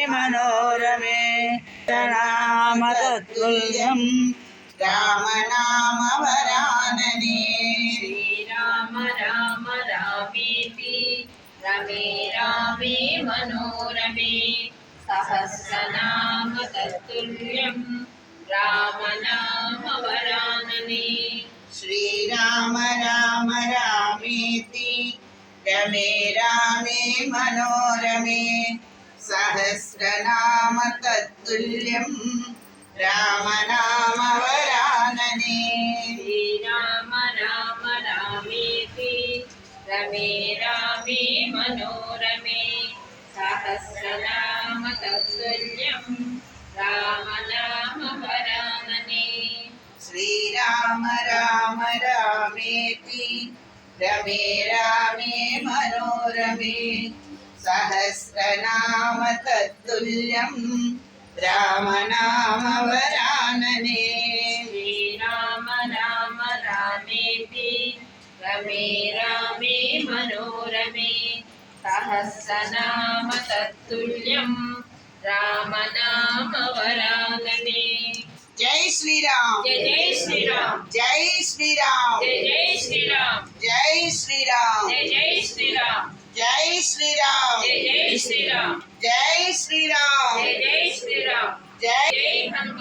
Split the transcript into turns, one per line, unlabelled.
मनोरमे नाम तत्तुल्यं रामनामवरानने।
श्रीराम राम रामेति रमे रामे मनोरमे सहस्रनाम तत्तुल्यं राम नाम वरानने।
श्रीराम राम रामेति रमे रामे मनोरमे सहस्रनाम तत्तुल्यं रामनामवरानने।
श्रीराम राम रामेति रमे रामे मनोरमे सहस्रनाम तत्तुल्यं राम नाम वरानने।
श्रीराम राम रामेति रमे रामे मनोरमे सहस्रनाम तत्तुल्यं रामनामवरानने।
श्रीराम राम रामेति रमे रामे मनोरमे सहस्रनाम तत्तुल्यं राम नाम वरानने।
जय श्री राम।
जय जय श्री राम।
जय श्री राम।
जय जय श्री राम।
जय श्री राम।
जय जय श्री राम।
जय श्री राम।
जय जय श्री राम।
जय श्री राम।
जय जय श्री राम।
जय
जय हनुमान।